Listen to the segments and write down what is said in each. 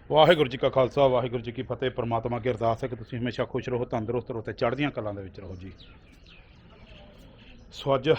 ਵਾਹਿਗੁਰੂ ਜੀ ਕਾ ਖਾਲਸਾ ਵਾਹਿਗੁਰੂ ਜੀ ਕੀ ਫਤਿਹ। परमात्मा की अरदास है कि तुसीं हमेशा खुश रहो, तंदुरुस्त रहो, चढ़दियां कलां दे विच रहो जी। सो अज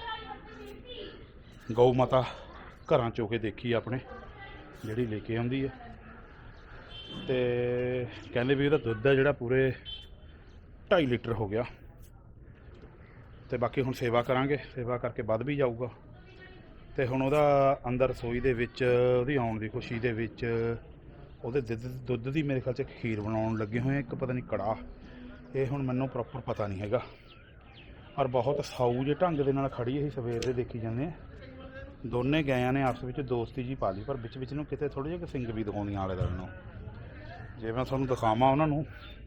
गौ माता घरां चो के देखी अपने जिहड़ी लेके आउंदी है ते कहंदे भी इहदा दुद्ध है जिहड़ा पूरे 2.5 लीटर हो गया ते बाकी हुण सेवा करांगे, सेवा करके वध भी जाऊगा ते हुण उहदा अंदर रसोई दे विच उहदी आउण दी खुशी दे विच ਉਹਦੇ ਦੁੱਧ ਦੀ ਮੇਰੇ ਖਿਆਲ 'ਚ ਖੀਰ ਬਣਾਉਣ ਲੱਗੇ ਹੋਏ ਇੱਕ ਪਤਾ ਨਹੀਂ ਕੜਾਹ। ਇਹ ਹੁਣ ਮੈਨੂੰ ਪ੍ਰੋਪਰ ਪਤਾ ਨਹੀਂ ਹੈਗਾ ਔਰ ਬਹੁਤ ਸਾਊ ਜਿਹੇ ਢੰਗ ਦੇ ਨਾਲ ਖੜੀ ਅਸੀਂ ਸਵੇਰ ਦੇ ਦੇਖੀ ਜਾਂਦੇ ਹਾਂ। ਦੋਨੇ ਗਾਇਆਂ ਨੇ ਆਪਸ ਵਿੱਚ ਦੋਸਤੀ ਜੀ ਪਾ ਲਈ ਪਰ ਵਿੱਚ ਵਿੱਚ ਨੂੰ ਕਿਤੇ ਥੋੜ੍ਹੇ ਜਿਹੇ ਸਿੰਗ ਵੀ ਦਿਖਾਉਂਦੀਆਂ ਆਲੇ ਦੁਆਲੇ ਨੂੰ। ਜੇ ਮੈਂ ਤੁਹਾਨੂੰ ਦਿਖਾਵਾਂ ਉਹਨਾਂ ਨੂੰ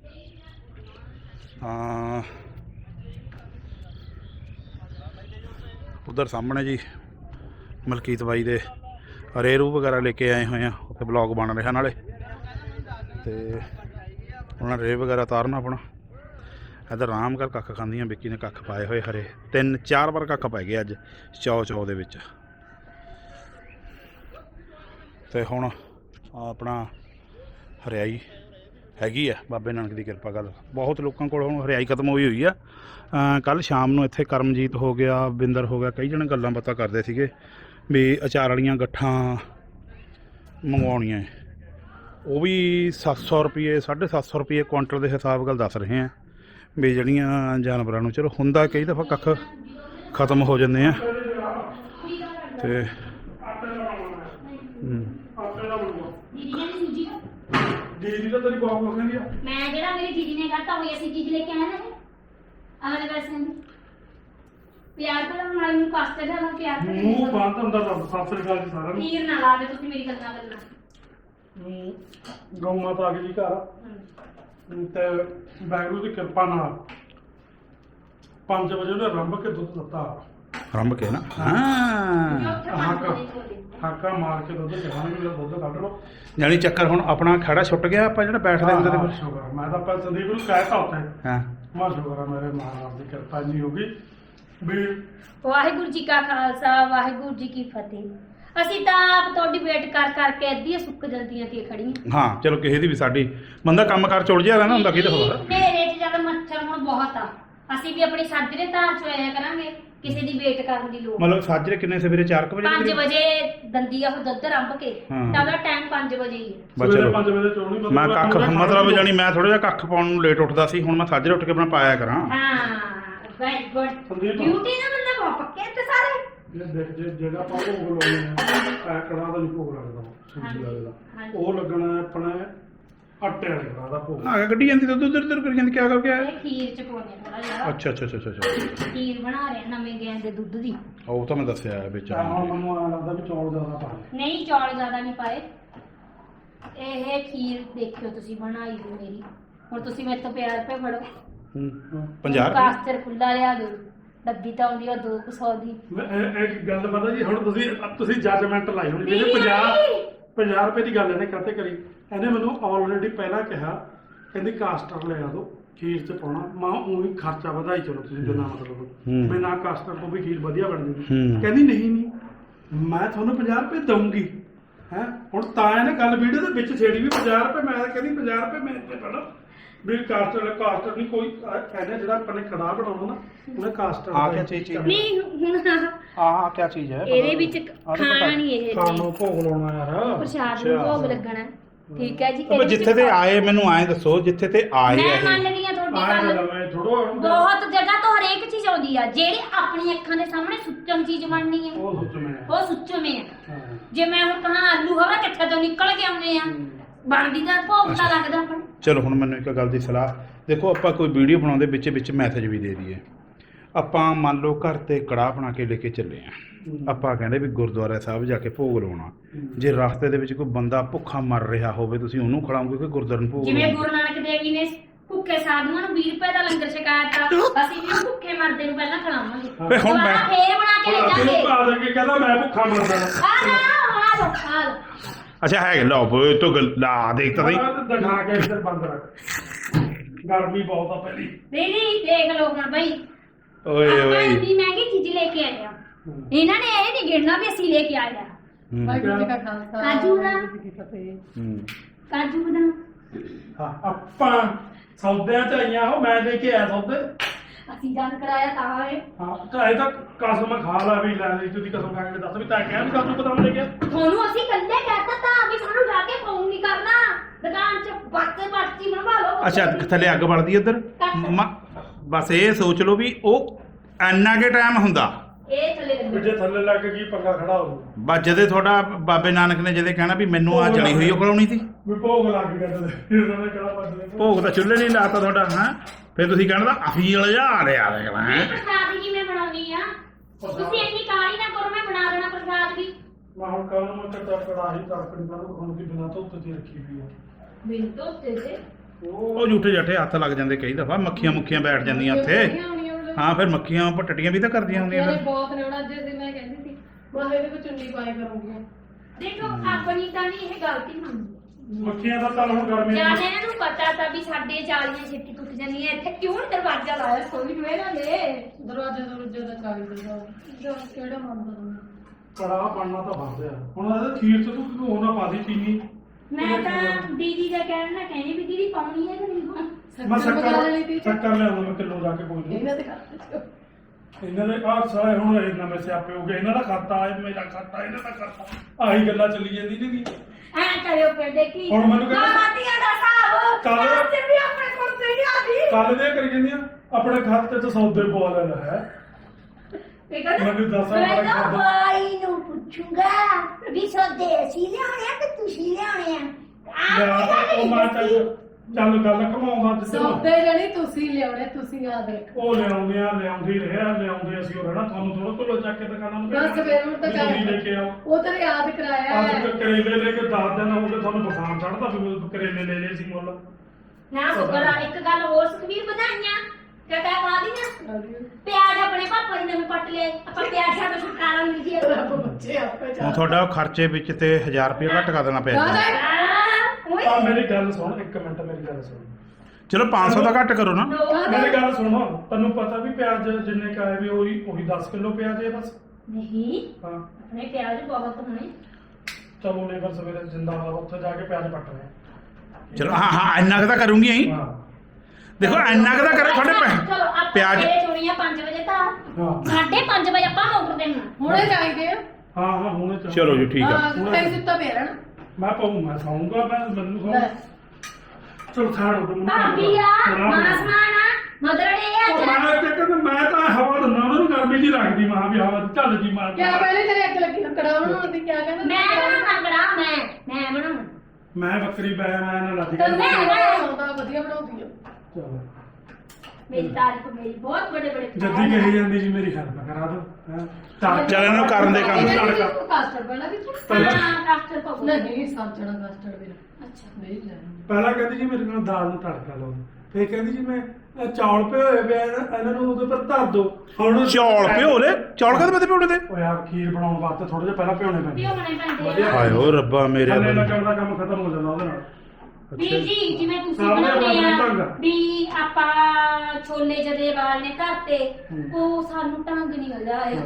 ਉਧਰ ਸਾਹਮਣੇ ਜੀ ਮਲਕੀਤ ਬਾਈ ਦੇ ਰੇਰੂ वगैरह लेके आए हुए हैं, उत्थे ब्लॉग बन रहा नाले ते उन्होंने रे वगैरह तारना अपना। इधर आराम कर कख खांदियां, बिक्की ने कख पाए हुए हरे 3-4 बार कख पै गए अज चौ दे विच। ते हुण अपना हरियाई हैगी है बाबे नानक की किरपा। गल बहुत लोगों को हुण हरियाई खत्म हुई है। कल शाम नूं इत्थे करमजीत हो गया, बिंदर हो गया, कई जने गल्लां बातां करदे सीगे भी अचार वालियां गट्ठां मंगवाउणियां वो भी 700 रुपये 750 रुपये क्वांटल के हिसाब गल दस रहे हैं भी जड़ियाँ जानवरों को। चलो हुंदा कई दफ़ा कख खत्म हो जाते हैं ते प्यार करो नाल ਨੂੰ ਕਾਸਟਰ ਦਾ प्यार करो ਮੂੰਹ ਬੰਦ ਅੰਦਰ ਰੱਬ ਸਾਸਰ ਗੱਲ ਜੀ ਸਾਰਾ ਨੀਰ ਨਾ ਲਾ ਦੇ ਤੁਸੀਂ ਮੇਰੀ ਗੱਲਾਂ ਗਊ ਮਾਤਾ ਆ ਗਈ ਜੀ ਘਰ ਤੇ ਵਾਹਿਗੁਰੂ ਦੀ ਕਿਰਪਾ ਨਾਲ 5 ਵਜੇ ਉਹਨੇ ਰੰਭ ਕੇ ਦੁੱਧ ਦਿੱਤਾ। रंभ के ना ਹਾਕਾ ਮਾਰ ਕੇ ਦੁੱਧ ਚੜਾਉਣਗੇ, ਮੇਰਾ ਦੁੱਧ ਕੱਢ ਲਓ। जानी चक्कर हुण अपना खड़ा छुट गया ਆਪਾਂ ਜਿਹੜਾ बैठਦੇ ਹੁੰਦੇ ਤੇ ਸ਼ੁਕਰ ਮੈਂ ਤਾਂ ਆਪਾਂ ਸੰਦੀਪ ਨੂੰ ਕਹਿਤਾ ਉੱਥੇ ਹਾਂ ਮਾ ਸ਼ੁਕਰ ਆ ਮੇਰੇ ਮਹਾਰਾਜ ਦੀ ਕਿਰਪਾ ਜੀ ਹੋ ਗਈ ਵੀ ਵਾਹਿਗੁਰੂ ਜੀ ਕਾ ਖਾਲਸਾ ਵਾਹਿਗੁਰੂ ਜੀ ਕੀ ਫਤਿਹ। ਅਸੀਂ ਤਾਂ ਆਪ ਤੁਹਾਡੀ ਵੇਟ ਕਰ ਕਰਕੇ ਅੱਧੀਆਂ ਸੁੱਕ ਜਲਦੀਆਂ ਤੇ ਖੜੀਆਂ। ਹਾਂ ਚਲੋ ਕਿਸੇ ਦੀ ਵੀ ਸਾਡੀ ਬੰਦਾ ਕੰਮ ਕਾਰ ਚੁੜ ਜਿਆ ਰਹਿੰਦਾ ਹੁੰਦਾ ਕਿਤੇ ਹੋਰ। ਨੇਰੇ 'ਚ ਜਦ ਮੱਛਰ ਹੁਣ ਬਹੁਤ ਆ, ਅਸੀਂ ਵੀ ਆਪਣੀ ਸਾਜਰੇ ਧਾਰ ਚ ਆਇਆ ਕਰਾਂਗੇ, ਕਿਸੇ ਦੀ ਵੇਟ ਕਰਨ ਦੀ ਲੋੜ। मतलब साजरे किन्ने सवेरे 4 वजे 5 ਵਜੇ ਦੰਦੀ ਆ ਉਹ ਦੁੱਧ ਰੰਭ ਕੇ ਹਾਂ। ਤਾਂ ਉਹਦਾ ਟਾਈਮ 5 ਵਜੇ ਹੀ ਹੈ। बस चलो 5 ਵਜੇ ਚੋਣੀ मैं कख मतलब जानी मैं थोड़ा जिहा कख पाउण ਨੂੰ ਲੇਟ ਉੱਠਦਾ ਸੀ, ਹੁਣ ਮੈਂ ਸਾਜਰੇ ਉੱਠ ਕੇ ਆਪਣਾ ਪਾਇਆ ਕਰਾਂ। ਹਾਂ ਵੈਰੀ ਗੁੱਡ ਸੰਦੀਪ ਡਿਊਟੀ ਨਾ ਬੰਦਾ ਬਹੁਤ ਪੱਕੇ ਤੇ ਸਾਰੇ। ਇਹ ਦੇਖ ਜਿਹੜਾ ਆਪਾਂ ਭੋਗ ਲਾਉਣੇ ਆ ਕੜਾ ਦਾ ਨਹੀਂ ਭੋਗ ਲੱਗਦਾ ਸੂਜੀ ਵਾਲੇ ਦਾ, ਉਹ ਲੱਗਣਾ ਆਪਣੇ ਆਟੇ ਵਾਲੇ ਕੜਾ ਦਾ ਭੋਗ। ਆ ਗੱਡੀ ਜਾਂਦੀ ਤਾਂ ਉਧਰ ਉਧਰ ਕਰੀ ਜਾਂਦੀ ਕੀ ਕਰ ਗਿਆ। ਇਹ ਖੀਰ ਚ ਪਾਉਣੇ ਥੋੜਾ ਜਿਹਾ। ਅੱਛਾ ਅੱਛਾ ਅੱਛਾ ਅੱਛਾ ਖੀਰ ਬਣਾ ਰਹੇ ਆ ਨਵੇਂ ਗੈਂ ਦੇ ਦੁੱਧ ਦੀ। ਉਹ ਤਾਂ ਮੈਂ ਦੱਸਿਆ ਵਿੱਚ। ਹੁਣ ਮੈਨੂੰ ਆ ਲੱਗਦਾ ਵੀ ਚੌਲ ਜ਼ਿਆਦਾ ਪਾ ਲਏ। ਨਹੀਂ ਚੌਲ ਜ਼ਿਆਦਾ ਨਹੀਂ ਪਾਏ। ਇਹ ਖੀਰ ਦੇਖਿਓ ਤੁਸੀਂ ਬਣਾਈ ਹੋਈ ਮੇਰੀ। ਹੁਣ ਤੁਸੀਂ ਮੇਰੇ ਤੋਂ ਪਿਆਰ ਪੇ ਫੜੋ। 50 ਕਾਸਟਰ ਖੁੱਲਾ ਲਿਆ ਦਿਓ, ਡੱਬੀ ਤਾਂ ਆਉਂਦੀ ਆ 200 ਦੀ। ਇਹ ਗੱਲ ਪਤਾ ਜੀ ਹੁਣ ਤੁਸੀਂ ਜੱਜਮੈਂਟ ਲਾਈ ਹੋਣੀ ਜਿਹਨੇ 50 ਰੁਪਏ ਦੀ ਗੱਲ ਇਹਨੇ ਕਾਹਤੇ ਕਰੀ। ਇਹਨੇ ਮੈਨੂੰ ਆਲਰੇਡੀ ਪਹਿਲਾਂ ਕਿਹਾ ਕਹਿੰਦੀ ਕਾਸਟਰ ਲੈ ਆ ਦੋ ਖੀਰ ਚ ਪਾਉਣਾ। ਮਾਂ ਉਹੀ ਖਰਚਾ ਵਧਾਈ ਚਲੋ ਤੁਸੀਂ ਬਿਨਾਂ ਮਤਲਬ ਬਿਨਾਂ ਕਾਸਟਰ ਤੋਂ ਵੀ ਖੀਰ ਵਧੀਆ ਬਣ ਜੂਗੀ। ਕਹਿੰਦੀ ਨਹੀਂ ਮੈਂ ਤੁਹਾਨੂੰ 50 ਰੁਪਏ ਦਊਂਗੀ ਹੈ। ਹੁਣ ਤਾਂ ਇਹਨੇ ਗੱਲ ਵੀਡੀਓ ਦੇ ਵਿੱਚ ਛੇੜੀ ਵੀ 50 ਰੁਪਏ। ਮੈਂ ਕਹਿੰਦੀ 50 ਰੁਪਏ ਮੈਂ ਇੱਥੇ ਪੜਾ ਵੀ ਕਾਸਟਰ ਨਹੀਂ ਕੋਈ ਕਹਿੰਦੇ ਜਿਹੜਾ ਆਪਣੇ ਕੜਾਹ ਬਣਾਉਣਾ ਨਾ ਉਹਨੇ ਕਾਸਟਰ ਆ ਕੀ ਚੀਜ਼ ਨਹੀਂ ਹੁਣ ਆ ਕੀ ਚੀਜ਼ ਹੈ ਇਹਦੇ ਵਿੱਚ ਖਾਣਾ ਨਹੀਂ ਇਹ ਸਾਨੂੰ ਭੋਗ ਲਾਉਣਾ ਯਾਰ ਪ੍ਰਸ਼ਾਦ ਨੂੰ ਭੋਗ ਲੱਗਣਾ। ਠੀਕ ਹੈ ਜੀ। ਪਰ ਜਿੱਥੇ ਤੇ ਆਏ ਮੈਨੂੰ ਐਂ ਦੱਸੋ ਜਿੱਥੇ ਤੇ ਆਏ ਮੈਂ ਇਹ ਮੰਨਦੀ ਆ ਤੁਹਾਡੀ ਗੱਲ। ਥੋੜੋ ਬਹੁਤ ਜਗ੍ਹਾ ਤੋਂ ਹਰੇਕ ਚੀਜ਼ ਆਉਂਦੀ ਆ, ਜਿਹੜੀ ਆਪਣੀ ਅੱਖਾਂ ਦੇ ਸਾਹਮਣੇ ਸੁੱਚਮ ਚੀਜ਼ ਬਣਨੀ ਆ ਉਹ ਸੁੱਚਵੇਂ ਉਹ ਸੁੱਚਵੇਂ ਆ। ਜੇ ਮੈਂ ਹੁਣ ਕਹਾਂ ਆਲੂ ਹਵਾ ਕਿੱਥੇ ਤੋਂ ਨਿਕਲ ਕੇ ਆਉਂਦੇ ਆ, ਬਣਦੀ ਤਾਂ ਭੋਗ ਤਾਂ ਲੱਗਦਾ ਆਪਾਂ ਨੂੰ। ਚਲੋ ਹੁਣ ਮੈਨੂੰ ਇੱਕ ਗੱਲ ਦੀ ਸਲਾਹ ਦੇਖੋ, ਆਪਾਂ ਕੋਈ ਵੀਡੀਓ ਬਣਾਉਂਦੇ ਵਿੱਚ ਵਿੱਚ ਮੈਸੇਜ ਵੀ ਦੇ ਦਈਏ। ਆਪਾਂ ਮੰਨ ਲਓ ਘਰ ਤੇ ਕੜਾਹ ਬਣਾ ਕੇ ਲੈ ਕੇ ਚੱਲੇ ਆ, ਆਪਾਂ ਕਹਿੰਦੇ ਵੀ ਗੁਰਦੁਆਰਾ ਸਾਹਿਬ ਜਾ ਕੇ ਭੋਗ ਲਾਉਣਾ। ਜੇ ਰਸਤੇ ਦੇ ਵਿੱਚ ਕੋਈ ਬੰਦਾ ਭੁੱਖਾ ਮਰ ਰਿਹਾ ਹੋਵੇ ਤੁਸੀਂ ਉਹਨੂੰ ਖਿਲਾਓਗੇ ਕਿ ਗੁਰਦੁਆਰੇ ਨੂੰ ਭੋਗ ਜਿਵੇਂ ਲਾਓਗੇ? ਗੁਰੂ ਨਾਨਕ ਦੇਵ ਜੀ ਨੇ ਭੁੱਖੇ ਸਾਧੂਆਂ ਨੂੰ 20 ਰੁਪਏ ਦਾ ਲੰਗਰ ਛਕਾਇਆ ਤਾਂ ਅਸੀਂ ਵੀ ਭੁੱਖੇ ਮਰਦੇ ਨੂੰ ਪਹਿਲਾਂ ਖਿਲਾਵਾਂਗੇ। ਵੇ ਹੁਣ ਮੈਂ ਫੇਰ ਬਣਾ ਕੇ ਲੈ ਜਾਵਾਂਗੇ। ਆ ਦੇ ਕੇ ਕਹਿੰਦਾ ਮੈਂ ਭੁੱਖਾ ਮਰਦਾ ਆ ਲੋ ਅੱਛਾ ਹੈ ਲਓ ਓਏ ਤੋ ਲਾ ਦੇਖ ਤਾਂ ਨਹੀਂ ਦਿਖਾ ਕੇ ਇੱਧਰ ਬੰਦ ਰੱਖ। ਗਰਮੀ ਬਹੁਤ ਆ ਪਹਿਲੀ। ਨਹੀਂ ਦੇਖ ਲਓ ਹੁਣ ਬਈ ਓਏ ਆਪਾਂ ਓਏ ਇੰਨੀ ਮਹਿੰਗੀ ਚੀਜ਼ ਲੈ ਕੇ ਆਏ ਆ। ਇਹਨਾਂ ਨੇ ਇਹ ਨਹੀਂ ਗਿਣਨਾ ਵੀ ਅਸੀਂ ਲੈ ਕੇ ਆਏ ਆ। ਵਾਹਿਗੁਰੂ ਜੀ ਕਾ ਖਾਲਸਾ ਆਜੂ ਨਾ ਵਾਹਿਗੁਰੂ ਜੀ ਕੀ ਫਤਿਹ। ਕਾਜੂ ਬਦਾਮ ਹਾਂ ਆਪਾਂ ਸੌਦਿਆਂ ਚ ਆਈਆਂ ਉਹ ਮੈਂ ਲੈ ਕੇ ਆਇਆ ਸੌਦੇ ਅਸੀਂ ਜਾਣ ਕਰਾਇਆ ਤਾਂ ਇਹ ਹਾਂ ਤਾਂ ਇਹ ਤਾਂ ਕਸਮ ਖਾ ਲਾ ਵੀ ਲੈ ਲਈ ਤੁਸੀਂ ਕਸਮ ਖਾ ਕੇ ਦੱਸ ਵੀ ਤਾਂ ਕਿਹਾ ਵੀ ਕਾਜੂ ਬਦਾਮ ਲੈ ਗਿਆ ਤੁਹਾਨੂੰ ਅਸੀਂ ਕੱਲੇ ਕਹਿਤਾ ਤਾਂ ਵੀ ਸਾਨੂੰ ਜਾ ਕੇ ਫੋਨ ਨਹੀਂ ਕਰਨਾ ਦੁਕਾਨ 'ਚ ਬੱਚੇ ਪਰਚੀ ਬਣਵਾ ਲਓ ਅੱਛਾ ਥੱਲੇ ਅੱਗ ਬਲਦੀ ਇੱਧਰ ਬਸ ਇਹ ਸੋਚ ਲਓ ਵੀ ਉਹ ਇੰਨਾ ਕੇ ਟਾਈਮ ਹੁੰਦਾ ਇਹ ਥੱਲੇ ਵੀ ਲੱਗੇ ਜੇ ਥੱਲੇ ਲੱਗ ਗਈ ਪੰਗਾ ਖੜਾ ਹੋ ਬਸ ਜਦੇ ਤੁਹਾਡਾ ਬਾਬੇ ਨਾਨਕ ਨੇ ਜਦੇ ਕਹਿਣਾ ਵੀ ਮੈਨੂੰ ਆ ਜਲੀ ਹੋਈ ਉਹ ਖਲਾਉਣੀ ਸੀ ਵੀ ਭੋਗ ਲੱਗ ਗਿਆ ਤੇ ਉਹਨਾਂ ਨੇ ਕਿਹੜਾ ਪੱਜਦੇ ਭੋਗ ਤਾਂ ਚੁੱਲ੍ਹੇ ਨਹੀਂ ਲਾਤਾ ਤੁਹਾਡਾ ਹਾਂ ਫਿਰ ਤੁਸੀਂ ਕਹਿਣਾ ਤਾਂ ਅਫੀਲ ਜਾ ਰਿਹਾ ਦੇਖਣਾ ਮੈਂ ਹੈ ਪ੍ਰਸਾਦ ਜੀ ਮੈਂ ਬਣਾਉਣੀ ਆ ਤੁਸੀਂ ਇੰਨੀ ਕਾਹਲੀ ਨਾ ਕਰੋ ਮੈਂ ਬਣਾ ਦੇਣਾ ਪ੍ਰਸਾਦ ਵੀ ਮੈਂ ਹੁਣ ਕੱਲ ਨੂੰ ਤਾਂ ਕੜਾਹੀ ਤੜਕਣੀ ਪਰ ਹੁਣ ਦੀ ਬਿਨਾਂ ਧੁੱਪ ਤੇ ਰੱਖੀ ਹੋਈ ਆ ਮੈਨੂੰ ਤੋਂ ਤੇ ਉਹ ਝੂਠੇ ਜੱਠੇ ਹੱਥ ਲੱਗ ਜਾਂਦੇ ਕਈ ਦਫਾ ਮੱਖੀਆਂ ਮੁੱਖੀਆਂ ਬੈਠ ਜਾਂਦੀਆਂ ਉੱਥੇ ਹਾਂ ਫਿਰ ਮੱਖੀਆਂ ਪਟਟੀਆਂ ਵੀ ਤਾਂ ਕਰਦੀਆਂ ਹੁੰਦੀਆਂ ਮੇਰੇ ਫਿਰ ਬਹੁਤ ਨੇ ਉਹਨਾਂ ਅੱਜ ਦੀ ਮੈਂ ਕਹਿੰਦੀ ਸੀ ਮੈਂ ਇਹਦੇ ਵਿੱਚ ਚੁੰਨੀ ਪਾਏ ਕਰੂੰਗੀ ਦੇਖੋ ਆਪਣੀ ਤਾਂ ਨਹੀਂ ਇਹ ਗਲਤੀ ਹੁੰਦੀ ਮੱਖੀਆਂ ਦਾ ਤਾਂ ਹੁਣ ਗਰਮੀ ਜਾਂ ਇਹਨਾਂ ਨੂੰ ਪਤਾ ਤਾਂ ਵੀ ਸਾਡੇ ਜਾਲੀਆਂ ਛੇਤੀ ਟੁੱਟ ਜਾਂਦੀਆਂ ਇੱਥੇ ਕਿਉਂ ਨੀ ਦਰਵਾਜ਼ਾ ਲਾਇਆ ਕੋਈ ਨੂੰ ਇਹਨਾਂ ਨੇ ਦਰਵਾਜ਼ੇ ਦਰਵਾਜ਼ੇ ਦਾ ਚਾਵੀ ਦਿੰਦਾ ਜੋ ਕਿਹੜਾ ਮੰਨਦਾ ਤੂੰ ਕੜਾਹ ਬਣਨਾ ਤਾਂ ਫਸਦੇ ਆ ਹੁਣ ਇਹਦੇ ਖੀਰ ਚ ਤੂੰ ਕਿਉਂ ਨਾ ਪਾ ਦੀ ਚੀਨੀ ਮੈਂ ਤਾਂ ਦੀਦੀ ਦਾ ਕਹਿਣ ਨਾ ਕਹਿੰਦੀ ਵੀ ਦੀਦੀ ਪਾਉਣੀ ਹੈ ਕਿ ਨਹੀਂ ਪਾਉਣੀ ਮੈਂ ਮੰਗਾ ਲੈਣੀ ਤੀ ਸ਼ੱਕਰ ਲਿਆਉਂਦਾ ਮੈਂ ਕਿਲੋ ਜਾ ਕੇ ਕੋਈ ਨਹੀਂ ਇਹਨਾਂ ਦੇ ਘਰ ਇਹਨਾਂ ਦੇ ਆਹ ਸਾਰੇ ਹੁਣ ਇਹ ਨਵੇਂ ਸਿਆਪੇ ਹੋ ਗਏ ਇਹਨਾਂ ਦਾ ਖਾਤਾ ਹੈ ਮੇਰਾ ਖਾਤਾ ਇਹਨਾਂ ਦਾ ਖਾਤਾ ਆਹੀ ਗੱਲਾਂ ਚੱਲੀ ਜਾਂਦੀ ਨੇ ਐ ਕਰਿਓ ਫਿਰ ਦੇਖੀ ਹੁਣ ਮੈਨੂੰ ਕਹਿੰਦਾ- ਮਾਤੀਆਂ ਦਾ ਹਿਸਾਬ ਕੱਲ੍ਹ- ਤੇ ਵੀ ਆਪਣੇ ਕੋਲ ਤੇ ਨਹੀਂ ਆਦੀ ਕੱਲ ਦੇ ਕਰੀ ਜਾਂਦੀਆਂ ਆਪਣੇ ਖਾਤੇ 'ਚ ਸੌਦੇ ਪਵਾ ਲੈਣਾ ਹੈ ਇਹ ਕਹਿੰਦਾ ਮੈਨੂੰ ਦੱਸ ਮੈਂ ਆਪਣਾ ਤਾਂ ਖਾਤਾ ਭਾਈ ਨੂੰ ਪੁੱਛੂੰਗਾ ਵੀ ਸੌਦੇ ਅਸੀਂ ਲਿਆਉਣੇ ਆ ਕਿ ਤੁਸੀਂ ਲਿਆਉਣੇ ਆ ਯਾਰ ਉਹ ਮਾਂ ਚੱਲ ਗੱਲ ਘਮਾਉਂਦਾ ਜਿੱਦਾਂ ਸੌਦੇ ਜਣੀ ਤੁਸੀਂ ਲਿਆਉਣੇ ਤੁਸੀਂ ਯਾਦ ਰੱਖੋ ਉਹ ਲਿਆਉਂਦੇ ਹੀ ਰਿਹਾ ਲਿਆਉਂਦੇ ਅਸੀਂ ਉਹ ਰਹਿਣਾ ਤੁਹਾਨੂੰ ਥੋੜਾ ਕੋਲੋਂ ਚੱਕ ਕੇ ਦੁਕਾਨਾਂ ਨੂੰ ਬਸ ਫਿਰ ਹੁਣ ਤਾਂ ਵੀ ਤੁਸੀਂ ਲੈ ਕੇ ਆਓ ਉਹ ਤਾਂ ਯਾਦ ਕਰਾਇਆ ਅੱਜ ਹੈ ਤੱਕ ਕਰੇਲੇ ਲੈ ਕੇ 10 ਦਿਨ ਹੋ ਗਏ ਤੁਹਾਨੂੰ ਬੁਖਾਰ ਚੜਦਾ ਵੀ ਕਰੇਲੇ ਲੈ ਲਏ ਸੀ ਮੁੱਲ ਨਾ ਸੁਕਰ ਆ ਇੱਕ ਗੱਲ ਹੋਰ ਸੁਖਵੀਰ ਵਧਾਈਆਂ ਕਹਤਾ ਖਾ ਦੀਆਂ ਪਿਆਜ਼ ਆਪਣੇ ਪਾਪਾ ਜੀ ਨੇ ਵੀ ਪੱਟ ਲਏ ਆਪਾਂ ਪਿਆਜ਼ਾਂ ਤੋਂ ਛੁਟਕਾਰਾ ਮਿਲ ਜੀ ਰੱਬ ਬੱਚੇ ਆਪੇ ਹੁਣ ਤੁਹਾਡਾ ਉਹ ਖਰਚੇ ਵਿੱਚ ਤੇ 1000 ਰੁਪਏ ਘੱਟ ਕਰ ਦੇਣਾ ਪਿਆ ਜੀ। ਆ ਮੇਰੀ ਗੱਲ ਸੁਣ ਇੱਕ ਮਿੰਟ ਮੇਰੀ ਗੱਲ ਸੁਣ ਚਲੋ 500 ਦਾ ਘੱਟ ਕਰੋ ਨਾ ਮੇਰੀ ਗੱਲ ਸੁਣੋ ਤੈਨੂੰ ਪਤਾ ਵੀ ਪਿਆਜ਼ ਜਿੰਨੇ ਕਾਏ ਵੀ ਉਹੀ 10 ਕਿਲੋ ਪਿਆਜ਼ ਹੈ ਬਸ ਨਹੀਂ ਹਾਂ ਆਪਣੇ ਪਿਆਜ਼ ਬਹੁਤ ਹੋਣੇ ਚਲੋ ਨੇ ਫਿਰ ਸਵੇਰੇ ਜਿੰਦਾਬਾਦ ਉੱਥੇ ਜਾ ਕੇ ਪਿਆਜ਼ ਪੱਟ ਰਹੇ ਚਲੋ ਹਾਂ ਹਾਂ ਇੰਨਾ ਕੁ ਤਾਂ ਕਰੂੰਗੀ ਹੀ ਹਾਂ ਦੇਖੋ ਇੰਨਾ ਕੁ ਤਾਂ ਕਰੇ ਤੁਹਾਡੇ ਚਲੋ ਆਪਾਂ ਪਿਆਜ਼ ਸਵੇਰੇ ਚੋਣੀਆਂ 5 ਵਜੇ ਤਾਂ ਹਾਂ 5:30 ਵਜੇ ਆਪਾਂ ਮੋਟਰ ਦੇਣਾ ਹੁਣੇ ਚਾਹੀਦੇ ਆ ਹਾਂ ਹਾਂ ਹੁਣੇ ਚੱਲ ਚਲੋ ਜੀ ਠੀਕ ਆ ਹਾਂ ਕਈ ਸੁੱਤਾ ਪਿਆ ਰਹਿਣਾ ਮੈਂ ਪਾਉਂ ਮੈਂ ਸੌਂਗਾ ਮੈਂ ਮੈਨੂੰ ਸੌਂ ਚਲ ਖਾਣ ਉਹ ਭਾਬੀ ਆ ਮਾਸਮਾਨ ਆ ਮਦਰੜੇ ਆ ਮੈਂ ਤੇ ਕਹਿੰਦਾ ਮੈਂ ਤਾਂ ਹਵਾ ਦਿੰਦਾ ਉਹਨਾਂ ਨੂੰ ਗਰਮੀ ਜੀ ਲੱਗਦੀ ਮਾਂ ਵੀ ਹਵਾ ਚੱਲ ਜੀ ਮਾਰ ਕਿਆ ਪਹਿਲੇ ਤੇਰੇ ਅੱਗ ਲੱਗੀ ਨੂੰ ਕੜਾ ਬਣਾਉਣ ਦੀ ਕਿਆ ਕਹਿੰਦਾ ਮੈਂ ਬਣਾਉਣਾ ਕੜਾ ਮੈਂ ਬਣਾਉਣਾ ਮੈਂ ਬੱਕਰੀ ਪੈ ਮੈਂ ਨਾ ਲੱਗ ਤੇ ਮੈਂ ਬਣਾਉਂਦਾ ਵਧੀਆ ਬਣਾਉਂਦੀ ਆ ਚਲੋ ਮੇਰੀ ਤਾਰੀਫ ਮੇਰੀ ਬਹੁਤ ਬੜੇ ਬੜੇ ਜੱਦੀ ਕਹੀ ਜਾਂਦੀ ਜੀ ਮੇਰੀ ਹੈਲਪ ਕਰਾ ਦੋ ਹਾਂ ਚੱਲ ਇਹਨੂੰ ਕਰਨ ਦੇ ਕੰਮ ਤੜਕਾ। ਕਾਸਟਰ ਬਣਾ ਵਿੱਚ ਹਾਂ ਕਾਸਟਰ ਪਾਉ ਨਹੀਂ ਸਮਝਣਾ ਕਾਸਟਰ ਵੀ ਅੱਛਾ ਨਹੀਂ ਲੈਣਾ ਪਹਿਲਾਂ ਕਹਿੰਦੀ ਜੀ ਮੇਰੇ ਨਾਲ ਦਾਲ ਨੂੰ ਤੜਕਾ ਲਾਓ ਫੇਰ ਕਹਿੰਦੀ ਜੀ ਮੈਂ ਇਹ ਚੌਲ ਪਏ ਹੋਏ ਪਏ ਆ ਇਹਨਾਂ ਨੂੰ ਉਹਦੇ ਪਰ ਧਰ ਦੋ ਹੁਣ ਚੌਲ ਭਿਓ ਲੈ ਚੌਲ ਕਦੇ ਮਤੇ ਭਿਉਣੇ ਤੇ ਓ ਯਾਰ ਖੀਰ ਬਣਾਉਣ ਵਾਸਤੇ ਥੋੜੇ ਜਿਹਾ ਪਹਿਲਾਂ ਭਿਉਣੇ ਪੈਂਦੇ ਪਿਓ ਬਣੇ ਪੈਂਦੇ ਵਧੀਆ। ਆ ਹਾਏ ਓ ਰੱਬਾ ਮੇਰੇ ਥੱਲੇ ਵੱਲ। ਲੱਗਣ ਦਾ ਕੰਮ ਖਤਮ ਹੋ ਜਾਂਦਾ ਉਹਦੇ ਨਾਲ ਵੀਰ ਜੀ ਜਿਵੇਂ ਤੁਸੀਂ ਸਾਹਮਣੇ ਬਣਾਉਂਦੇ ਬਣਾਉਂਦੇ ਆ ਢੰਗ। ਵੀ ਆਪਾਂ ਛੋਲੇ ਜਦੇ ਵਾਲਨੇ ਧਰਤੇ ਹੂੰ। ਉਹ ਸਾਨੂੰ ਢੰਗ ਨਹੀਂ ਮਿਲਦਾ ਹੈ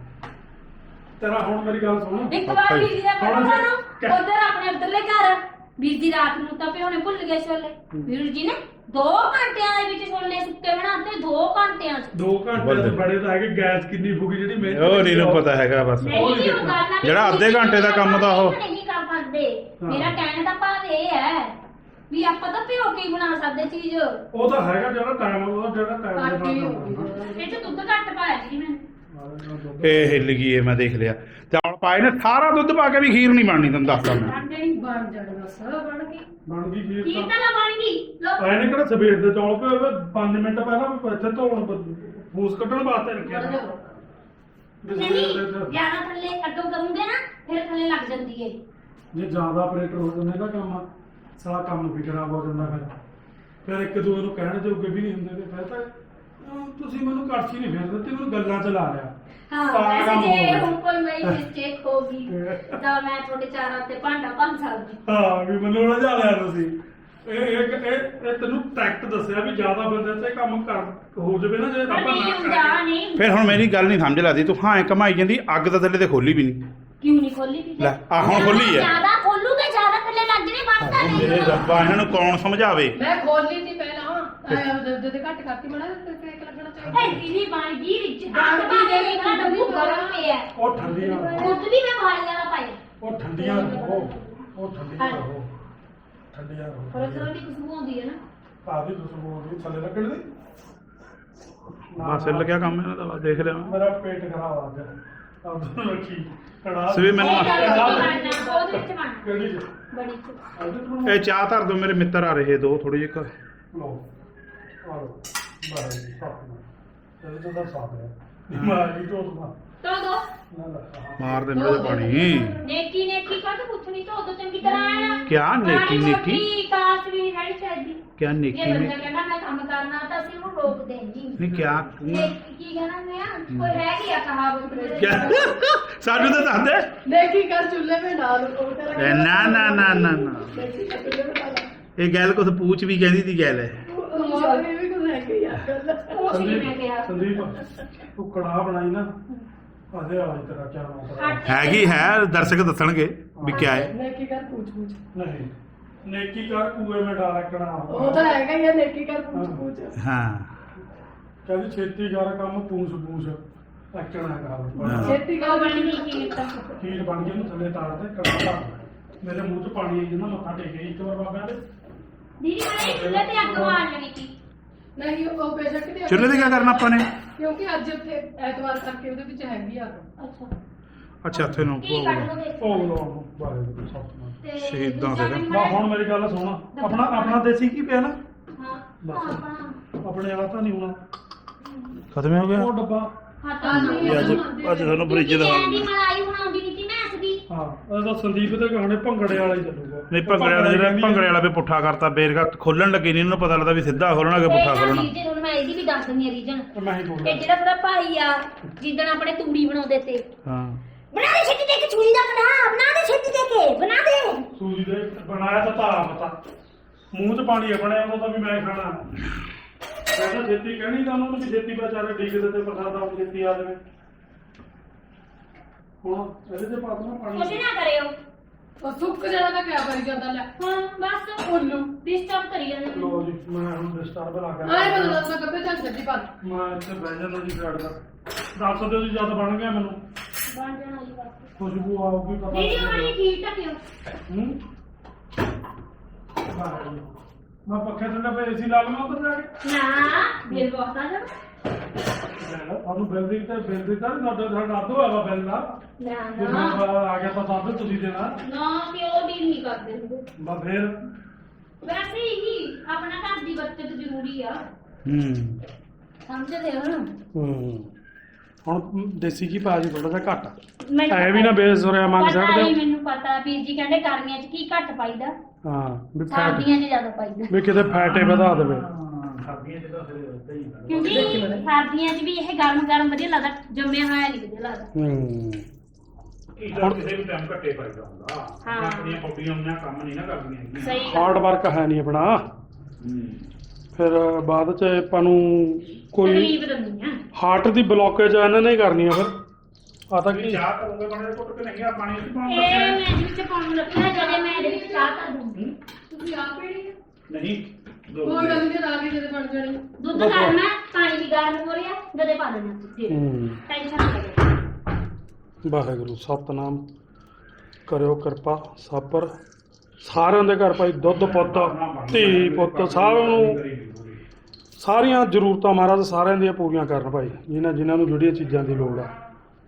ਤੇਰਾ ਹੁਣ ਮੇਰੀ ਗੱਲ ਸੁਣ ਇੱਕ ਵਾਰ ਵੀਰ ਜੀ ਦਾ ਹੁਣ ਪਤਾ ਜੇ- ਨਾ ਉਧਰ ਆਪਣੇ ਉਧਰਲੇ ਘਰ ਵੀਰ ਜੀ ਰਾਤ ਨੂੰ ਤਾਂ ਭਿਉਣੇ ਭੁੱਲ ਗਏ ਛੋਲੇ ਵੀਰ ਜੀ ਨੇ 2 ਘੰਟਿਆਂ ਦੇ ਵਿੱਚ ਛੋਲੇ ਸੁੱਕੇ ਬਣਾਤੇ 2 ਘੰਟਿਆਂ ਚ 2 ਘੰਟੇ ਦੇ ਬੜੇ ਤਾਂ ਹੈਗੇ ਗੈਸ ਕਿੰਨੀ ਫੁਕੀ ਜਿਹੜੀ ਮਿਹਨਤ ਉਹ ਨਹੀਂ ਨੂੰ ਪਤਾ ਹੈਗਾ ਬਸ ਨਹੀਂ ਜੀ ਉਹ ਗੱਲ ਆ ਵੀ ਜਿਹੜਾ ਅੱਧੇ ਘੰਟੇ ਦਾ ਕੰਮ ਤਾਂ ਉਹ- ਨਹੀਂ ਕਰ ਸਕਦੇ ਹਾਂ। ਮੇਰਾ ਕਹਿਣ ਦਾ ਭਾਵ ਇਹ ਹੈ ਵੀ ਆਪਾਂ ਤਾਂ ਭਿਓ ਕੇ ਹੀ ਬਣਾ ਸਕਦੇ ਚੀਜ਼ ਉਹ ਤਾਂ ਹੈਗਾ ਜਿਹੜਾ ਟਾਈਮ ਉਹਦਾ ਜਿਹੜਾ ਟਾਈਮ ਘੱਟ ਹੀ ਦੇ ਹੋ ਨਾਲ ਗਈ ਇਹ ਚ ਦੁੱਧ ਘੱਟ ਪਾਇਆ ਜੀ ਮੈਂ ਇਹ ਹਿੱਲ ਗਈ ਇਹ ਮੈਂ ਦੇਖ ਲਿਆ ਚੌਲ ਪਾਏ ਨੇ ਸਾਰਾ ਦੁੱਧ ਪਾ ਕੇ ਵੀ ਖੀਰ ਨਹੀਂ ਬਣਨੀ ਤੁਹਾਨੂੰ ਦੱਸਦਾ ਮੈਂ ਬਣ ਜਾਣਾ ਸਭ ਬਣ ਗਈ ਬਣ ਗਈ ਕੀ ਖੀਰ ਤਾਂ ਬਣ ਗਈ ਲੋ ਆਏ ਨੇ ਕਿਹੜਾ ਸਵੇਰ ਦੇ ਚੌਲ ਪਏ ਹੋਏ 5 ਮਿੰਟ ਪਹਿਲਾਂ ਵੀ ਇੱਥੇ ਧੋਣ ਫੂਸ ਕੱਢਣ ਵਾਸਤੇ ਰੱਖਿਆ ਬਣ ਸੀ। ਜਾਓ ਵੀ ਨਹੀਂ ਸਵੇਰ ਦੇ ਜਿਆਦਾ ਥੱਲੇ ਅੱਗੋਂ ਕਰੂੰਗੇ ਨਾ ਫਿਰ ਥੱਲੇ ਲੱਗ ਜਾਂਦੀ ਏ ਜੇ ਜ਼ਿਆਦਾ ਆਪਰੇਟਰ ਹੋ ਜਾਂਦੇ ਨਾ ਕੰਮ ਸਾਰਾ ਕੰਮ ਵੀ ਖਰਾਬ ਹੋ ਜਾਂਦਾ ਫਿਰ ਇੱਕ ਦੂਜੇ ਨੂੰ ਕਹਿਣ ਜੋਗੇ ਵੀ ਨਹੀਂ ਹੁੰਦੇ ਤੇ ਫਿਰ ਤਾਂ ਤੁਸੀਂ ਮੈਨੂੰ ਕੜਛੀ ਨਹੀਂ ਫੇਰ ਦਿੱਤੀ ਮੈਨੂੰ ਗੱਲਾਂ ਚ ਲਾ ਲਿਆ ਹਾਂ ਤਾਂ ਵੈਸੇ ਕੰਮ ਹੋ ਜੇ ਗਿਆ। ਹੁਣ ਕੋਈ ਮੇਰੀ ਮਿਸਟੇਕ ਹੋ ਗਈ ਤਾਂ ਮੈਂ ਤੁਹਾਡੇ ਚਾਰਾਂ ਤੇ ਭਾਂਡਾ ਭੰਨ ਸਕਦੀ ਹਾਂ ਵੀ ਮੈਨੂੰ ਉਲਝਾ ਲਿਆ ਤੁਸੀਂ ਇਹ ਤੈਨੂੰ ਟੈਕਟ ਦੱਸਿਆ ਵੀ ਜ਼ਿਆਦਾ ਬੰਦੇ ਤੇ ਕੰਮ ਕਰ ਹੋ ਜਾਵੇ ਨਾ ਜੇ ਪਰ ਆਪਾਂ ਨਹੀਂ ਨਾ ਹੁੰਦਾ ਕਰੀਏ ਨਹੀਂ ਫਿਰ ਹੁਣ ਮੇਰੀ ਗੱਲ ਨਹੀਂ ਸਮਝ ਲੱਗਦੀ ਤੂੰ ਹਾਂ ਕਮਾਈ ਜਾਂਦੀ ਅੱਗ ਤਾਂ ਥੱਲੇ ਤੇ ਖੋਲੀ ਵੀ ਨਹੀਂ ਕਿਉਂ ਨਹੀਂ ਖੋਲੀ ਵੀ ਲੈ, ਆਹ ਹੁਣ ਖੋਲੀ ਹੈ। ਜਿਆਦਾ ਖੋਲੂ ਤੇ ਜਿਆਦਾ ਥੱਲੇ ਲੱਗ ਜਣੇ ਵੱਧ ਮੇਰੇ ਰੱਬਾ ਇਹਨਾਂ ਨੂੰ ਕੌਣ ਸਮਝਾਵੇ। ਮੈਂ ਖੋਲੀ ਸੀ ਪਹਿਲਾਂ ਜਦ ਘੱਟ ਕਰਤੀ ਮੜਾ ਤੇ ਇੱਕ ਲੱਗਣਾ ਚਾਹੀਦਾ ਇਹ ਦੀਦੀ ਬਣ ਗਈ ਰਿਚ ਹੱਥ ਬਾਹਰ ਨਿਕਲਾ ਡੱਬੂ ਗਰਮ ਪਿਆ ਉਹ ਠੰਡੀਆਂ ਦੁੱਧ ਵੀ ਮੈਂ ਵਾਲੀਆਂ ਦਾ ਪਾਇਆ ਉਹ ਠੰਡੀਆਂ ਰਹੋ ਉਹ ਠੰਡੀਆਂ ਰਹੋ ਠੰਡੀਆਂ ਪਰ ਰਹੋ ਸਰੋਂ ਦੀ ਖੁਸ਼ਬੂ ਆਉਂਦੀ ਹੈ ਨਾ ਆਦੀ ਤੁਸੀਂ ਬੋਲਦੀ ਥੱਲੇ ਲੱਗਣ ਦੀ ਬਸ ਹਿੱਲ ਗਿਆ ਕੰਮ ਇਹਨਾਂ ਦਾ ਬਸ ਦੇਖ ਲਿਆ ਮੈਂ। ਮੇਰਾ ਪੇਟ ਖਰਾਬ ਆ ਗਿਆ ਆਪ ਰੱਖੀ ਕੜਾ ਸਵੇ ਮੈਨੂੰ ਇਹ ਗੱਲ ਬਣਨਾ ਉਹਦੇ ਵਿੱਚ ਬਣਨਾ ਕਿਹੜੀ ਚ ਬੜੀ ਚ ਇਹ ਚਾਹ ਧਰ ਦੋ, ਮੇਰੇ ਮਿੱਤਰ ਆ ਰਹੇ ਦੋ ਥੋੜੀ ਜਿਹੀ ਲੋ ਆਲੋ ਬਾਹਰ ਸਾਫ ਇਹ ਤਾਂ ਸਾਫ ਹੈ ਮਾਰੀ ਤੋਂ ਤੋ ਦੋ ਨਾ ਨਾ ਮਾਰ ਦੇ ਮੇਰੇ ਪਾਣੀ। ਨੇਕੀ ਨੇਕੀ ਕਾ ਤਾਂ ਪੁੱਛਣੀ ਤਾਂ ਉਦੋਂ ਚੰਗੀ ਤਰ੍ਹਾਂ ਆਣਾ ਕਿਆ ਨੇਕੀ ਨੇਕੀ ਕਾਸ ਵੀ ਹੈ ਚਾਹੀਦੀ ਕਿਆ ਨੇਕੀ ਜੇ ਬੰਦਾ ਨੇ ਕਹਿੰਦਾ ਮੈਂ ਕੰਮ ਕਰਨਾ ਤਾਂ ਅਸੀਂ ਉਹਨੂੰ ਰੋਕ ਦੇਂਗੀ ਨਹੀਂ ਕਿਆ ਕੀ ਕਹਿਣਾ ਮੈਂ ਕੋਈ ਰਹਿ ਗਿਆ ਕਹਾਵਤ ਮੇਰੇ ਕਿਆ ਸਾਨੂੰ ਤਾਂ ਦੱਸ ਦੇ। ਦੇਖੀ ਕਰ ਚੁੱਲ੍ਹੇ में डाल को तेरा ਨਾ ਨਾ ਨਾ ਨਾ ਨਾ देखी कर चुल्हे में डाला ਇਹ ਗੱਲ ਕੁਛ ਪੂਛ ਵੀ ਕਹਿੰਦੀ ਤੀ ਗੱਲ ਹੈ। और भी कुछ है कि यार ਉਹ ਸੀ ਮੈਂ ਕਿਹਾ ਸੰਦੀਪ ਤੂੰ ਕੜਾ ਬਣਾਈ ਨਾ ਆਦੇ ਵਾਲੀ ਤੇਰਾ ਕਿਆ ਨਾਮ ਹੈਗੀ ਹੈ, ਦਰਸ਼ਕ ਦੱਸਣਗੇ ਵੀ ਕਿਆ ਹੈ। नेकी कर पूछ ਨਹੀਂ ਨੇਕੀ ਕਰ ਕੂਏ ਮੇ ਡਾਲਾ ਕੜਾ वो तो हैगा ही है नेकी कर पूछ ਹਾਂ ਕਹਿੰਦੀ ਛੇਤੀ ਕਰ ਕੰਮ ਪੂਛ ਪੂਛ ਐਕਣਾ ਕਰ खेती ਉਹ का ਬਣੀ ਨਹੀਂ ਕੀ ਕੀਤਾ ਖੀਰ ਬਣ ਗਈ ਉਹਨੂੰ ਥੱਲੇ ਤਾਰ ਦੇ ਕੜਾ ਧਰ ਦੇ। ਮੇਰੇ ਮੂੰਹ 'ਚ ਪਾਣੀ ਆਈ ਜਾਂਦਾ ਮੱਥਾ ਟੇਕੇ ਇੱਕ ਵਾਰ ਬਾਬਾ ਦੇ ਦੀਦੀ ਮੈਂ ਚੁੱਲ੍ਹੇ ਤੇ ਅੱਗ ਮਾਰ ਲੈਣੀ ਸੀ नहीं वो बेशक नहीं ਚੁੱਲ੍ਹੇ ਤੇ ਕੀ ਕਰਨਾ ਆਪਾਂ ਨੇ? क्योंकि ਅੱਜ ਉੱਥੇ ਐਤਵਾਰ ਕਰਕੇ ਉਹਦੇ ਵਿੱਚ ਹੈਗੀ ਆ ਅੱਛਾ ਅੱਛਾ ਇੱਥੇ ਨੂੰ ਕੀ ਕੱਢ ਦੋ ਦੇ ਭੋਗ ਲਾਉਣ ਨੂੰ ਬਾਰੇ ਦੇ ਸਭ ਤੋਂ ਤੇ ਸ਼ਹੀਦਾਂ ਦੂਜਾ ਦੇ। ਵੀ ਨਾ ਹੁਣ ਮੇਰੀ ਗੱਲ ਸੁਣ ਆਪਣਾ ਦੇਸੀ ਕੀ ਪਿਆ ਨਾ ਹਾਂ ਬਸ। ਆਪਣਾ ਆਪਣੇ ਵਾਲਾ ਤਾਂ ਨਹੀਂ ਹੋਣਾ ਖਤਮ ਹੋ ਗਿਆ। ਉਹ ਡੱਬਾ ਹੱਥਾਂ ਇਹ ਅੱਜ ਤੁਹਾਨੂੰ ਫਰਿੱਜ ਦੀ ਦਿਖਾਉਂਗੀ। ਮਲਾਈ ਬਣਾਉਂਦੀ ਨਹੀਂ ਸੀ ਮੈਂ ਅਸਦੀ ਹਾਂ ਉਹਦਾ ਸੰਦੀਪ ਦੇ ਗਾਣੇ ਭੰਗੜੇ ਵਾਲਾ ਹੀ ਚੱਲੂਗਾ ਨਹੀਂ ਭੰਗੜੇ ਵਾਲਾ ਜਿਹੜਾ ਭੰਗੜੇ ਵਾਲਾ ਵੀ ਪੁੱਠਾ ਕਰਤਾ ਬੇਰਗਾ ਖੋਲਣ ਲੱਗੇ ਨਹੀਂ ਉਹਨੂੰ ਪਤਾ ਲੱਗਦਾ ਵੀ ਸਿੱਧਾ ਖੋਲਣਾ ਕਿ ਪੁੱਠਾ ਖੋਲਣਾ। ਰੀਜਨ ਹੁਣ ਮੈਂ ਇਹਦੀ ਵੀ ਦੱਸ ਦਿੰਦੀ ਆ ਰੀਜਨ ਮੈਂ ਹੀ ਬੋਲਿਆ ਇਹ ਜਿਹੜਾ ਤੇਰਾ ਭਾਈ ਆ ਜਿੱਦਣ ਆਪਣੇ ਤੂੜੀ ਬਣਾਉਂਦੇ ਤੇ ਹਾਂ ਬਣਾ ਦੇ ਛੇਤੀ ਦੇ ਕੇ ਚੂੜੀ ਦਾ ਬਣਾ ਦੇ ਛੇਤੀ ਦੇ ਕੇ ਬਣਾ ਦੇ ਸੂਜੀ ਦੇ ਬਣਾਇਆ ਤਾਂ ਤਾਰਾ ਪਤਾ ਮੂੰਹ 'ਚ ਪਾਣੀ ਆਪਣੇ ਉਹਦਾ ਤਾਂ ਵੀ ਮੈਂ ਖਾਣਾ ਮੈਂ ਤਾਂ ਛੇਤੀ ਕਹਿਣੀ ਤਾਂ ਉਹਨਾਂ ਨੂੰ ਵੀ ਛੇਤੀ ਵਿਚਾਰੇ ਡੀਕਦੇ ਤੇ ਪ੍ਰਸਾਦ ਆਪ ਛੇਤੀ ਆ ਜਾਵੇ ਹੁਣ ਇਹਦੇ 'ਚ ਪਾ ਦੇਣਾ ਕੁਛ ਪਾਣੀ ਨਾ ਕਰਿਓ ਉਹ ਸੁੱਕ ਜਾਣਾ ਤਾਂ ਕਿਆ ਕਰੀ ਜਾਂਦਾ ਲੈ ਹਾਂ ਬਸ ਉੱਲੂ ਡਿਸਟਰਬ ਕਰੀ ਜਾਂਦੇ ਲੋ ਜੀ ਮੈਂ ਹੁਣ ਡਿਸਟਰਬ ਲਾ ਕੇ ਆਏ ਮੈਨੂੰ ਦੱਸ ਮੈਂ ਕੱਪੜੇ ਚੱਲ ਛੱਡੀ ਪਾ ਮੈਂ ਇੱਥੇ ਬਹਿ ਜਾਂਦਾ ਜੀ ਸਾਈਡ ਦਾ ਦੱਸ ਦਿਓ ਜੀ ਜਦ ਬਣ ਗਿਆ ਮੈਨੂੰ ਬਣ ਜਾਣਾ ਜੀ ਬਸ ਖੁਸ਼ਬੂ ਆਊਗੀ ਪਤਾ ਦੀਦੀ ਉਹਨੇ ਖੀਰ ਟਕਿਓ ਹੂੰ ਮੈਂ ਪੱਖੇ ਥੱਲੇ ਪਏ ਏਸੀ ਲਾ ਲਵਾਂ ਉੱਧਰ ਜਾ ਕੇ ਨਾ ਬਿੱਲ ਬਹੁਤ ਆ ਜਾਣਾ ਤੁਹਾਨੂੰ ਬਿੱਲ ਦੀ ਤਾਂ ਸਾਡਾ ਅੱਧੋ ਹੈਗਾ ਬਿੱਲ ਦਾ ਨਾ ਜੇ ਨਾ ਆ ਗਿਆ ਤਾਂ ਦੱਸ ਤੁਸੀਂ ਦੇਣਾ ਨਾ ਪਿਓ ਡੀਲ ਨਹੀਂ ਕਰਦੇ ਹੁੰਦੇ ਮੈਂ ਫੇਰ ਵੈਸੇ ਹੀ ਆਪਣਾ ਘਰ ਦੀ ਬੱਚਤ ਜ਼ਰੂਰੀ ਆ ਹੂੰ ਸਮਝਦੇ ਹੋ ਨਾ ਹੁਣ ਦੇਸੀ ਕੀ ਪਾ ਜੀ ਥੋੜਾ ਜਿਹਾ ਘੱਟ ਮੈਨੂੰ ਐ ਵੀ ਨਾ ਬੇਸੁਰਿਆ ਮੰਗ ਪਤਾ ਸਕਦੇ ਹੀ ਮੈਨੂੰ ਪਤਾ ਵੀਰ ਜੀ ਕਹਿੰਦੇ ਗਰਮੀਆਂ 'ਚ ਕੀ ਘੱਟ ਪਾਈਦਾ ਹਾਂ ਵੀ ਫੈਟ ਸਰਦੀਆਂ 'ਚ ਜ਼ਿਆਦਾ ਪਾਈਦਾ ਵੀ ਕਿਤੇ ਫੈਟੇ ਵਧਾ ਦੇਵੇ ਕਿਉਂਕਿ ਸਰਦੀਆਂ 'ਚ ਵੀ ਇਹ ਗਰਮ ਵਧੀਆ ਲੱਗਦਾ ਜੰਮਿਆ ਹੋਇਆ ਨਹੀਂ ਵਧੀਆ ਲੱਗਦਾ ਹੁਣ ਕਿਸੇ ਵੀ ਟਾਈਮ ਘੱਟੇ ਪਾਈਦਾ ਹੁੰਦਾ। ਹਾਂ। ਆਪਣੀਆਂ ਬੋਡੀਆਂ ਉਹਨਾਂ ਕੰਮ ਨਹੀਂ ਨਾ ਕਰਦੀਆਂ ਹੈਗੀਆਂ। ਸਹੀ ਗੱਲ ਹਾਰਡ ਵਰਕ ਹੈ ਨਹੀਂ ਆਪਣਾ ਫਿਰ ਬਾਅਦ ਚ ਆਪਾਂ ਨੂੰ ਕੋਈ ਤਕਲੀਫ ਦਿੰਦੀ ਆ ਹਾਰਟ ਦੀ ਬਲੌਕੇਜ ਇਹਨਾਂ ਨੇ ਹੀ ਕਰਨੀ ਆ ਫਿਰ ਆ ਤਾਂ ਕੀ ਚਾਹ ਕਰੋਗੇ ਬਣੇ ਘੁੱਟ ਕੇ ਨਹੀਂ ਆ ਪਾਣੀ ਚ ਪਾਉਣ ਇਹ ਲੱਗੇ ਮੈਂ ਇਹਦੇ ਵਿੱਚ ਪਾਉਣ ਲੱਗਾ ਜਦੋਂ ਮੈਂ ਇਹਦੇ ਵਿੱਚ ਚਾਹ ਕਰ ਦੂੰਗੀ ਤੁਸੀਂ ਆਪ ਪੀਣੀ ਹੈ ਨਹੀਂ ਦੋ ਕੋਈ ਗੱਲ ਨਹੀਂ ਆ ਕੇ ਜਦੋਂ ਬਣ ਜਾਣੀ ਦੁੱਧ ਕਰਨਾ ਪਾਣੀ ਵੀ ਗਰਮ ਹੋ ਰਿਹਾ ਜਦੇ ਪਾ ਦੇਣਾ ਫਿਰ ਟੈਨਸ਼ਨ ਨਾ ਲੈ ਵਾਹਿਗੁਰੂ ਸਤਨਾਮ ਕਰਿਓ ਕਿਰਪਾ ਸਭ ਪਰ ਸਾਰਿਆਂ ਦੇ ਘਰ ਭਾਈ ਦੁੱਧ ਪੁੱਤ ਧੀ ਪੁੱਤ ਸਾਰਿਆਂ ਨੂੰ ਸਾਰੀਆਂ ਜ਼ਰੂਰਤਾਂ ਮਹਾਰਾਜ ਸਾਰਿਆਂ ਦੀਆਂ ਪੂਰੀਆਂ ਕਰਨ ਭਾਈ ਜਿਨ੍ਹਾਂ ਨੂੰ ਜਿਹੜੀਆਂ ਚੀਜ਼ਾਂ ਦੀ ਲੋੜ ਆ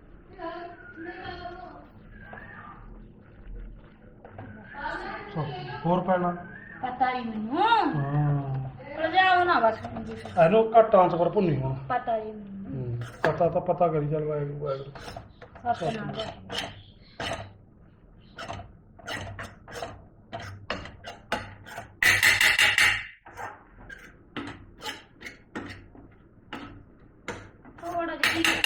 ਹੋਰ ਪੈਣਾ ਪਤਾ ਹੀ ਮੈਨੂੰ ਹਾਂ ਪਰ ਜਾਓ ਨਾ ਬਸ ਇਹਨੂੰ ਘੱਟ ਟ੍ਰਾਂਸਫਰ ਭੁੰਨੀ ਹੁਣ ਪਤਾ ਹੀ ਮੈਨੂੰ ਪਤਾ ਤਾਂ ਪਤਾ ਕਰੀ ਚੱਲ ਵਾਹਿਗੁਰੂ ਵਾਹਿਗੁਰੂ ਆਪਣਾ ਥੋੜਾ ਜਿਹਾ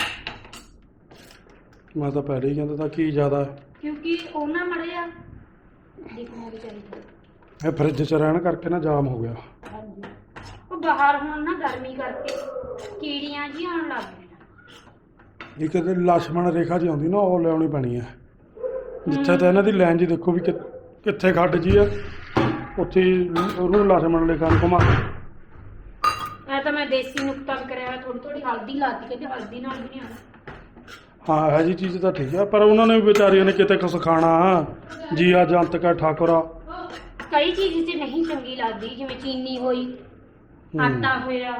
ਮੈਂ ਤਾਂ ਪਹਿਲੇ ਹੀ ਕਹਿੰਦਾ ਤਾਂ ਕੀ ਜ਼ਿਆਦਾ ਹੈ ਕਿਉਂਕਿ ਉਹਨਾਂ ਮੜਿਆ ਦੇਖਣਾ ਵੀ ਚਾਹੀਦਾ ਇਹ ਫਰਿੱਜ 'ਚ ਰਹਿਣ ਕਰਕੇ ਨਾ ਜਾਮ ਹੋ ਗਿਆ ਹਾਂਜੀ ਉਹ ਬਾਹਰ ਹੁਣ ਨਾ ਗਰਮੀ ਕਰਕੇ ਕੀੜੀਆਂ ਜੀ ਆਉਣ ਲੱਗ ਗਈਆਂ ਇੱਕ ਤੇ ਲక్ష్మణ ਰੇਖਾ ਜੀ ਆਉਂਦੀ ਨਾ ਉਹ ਲਿਆਉਣੀ ਪੈਣੀ ਹੈ ਜਿੱਥੇ ਤਾਂ ਇਹਨਾਂ ਦੀ ਲਾਈਨ ਜੀ ਦੇਖੋ ਵੀ ਕਿੱਥੇ ਖੱਡ ਜੀ ਆ ਉੱਥੇ ਹੀ ਉਹਨੂੰ ਲਛਮਣ ਰੇਖਾ ਨੂੰ ਘੁਮਾ ਕੇ। ਐ ਤਾਂ ਮੈਂ ਦੇਸੀ ਨੁਕਤਾ ਕਰਿਆ ਥੋੜੀ ਥੋੜੀ ਹਲਦੀ ਲਾਤੀ ਕਹਿੰਦੇ ਹਲਦੀ ਨਾਲ ਵੀ ਨਹੀਂ ਆਉਂਦਾ। ਹਾਂ ਇਹੋ ਜਿਹੀ ਚੀਜ਼ ਤਾਂ ਠੀਕ ਆ, ਪਰ ਉਹਨਾਂ ਨੇ ਵੀ ਵਿਚਾਰੀਆਂ ਨੇ ਕਿਤੇ ਕੁਛ ਖਾਣਾ। ਜੀਆ ਜੰਤ ਕਾ ਠਾਕੁਰਾ। ਕਈ ਚੀਜ਼ ਤੇ ਨਹੀਂ ਚੰਗੀ ਲੱਗਦੀ, ਜਿਵੇਂ ਚੀਨੀ ਹੋਈ, ਆਟਾ ਹੋਇਆ,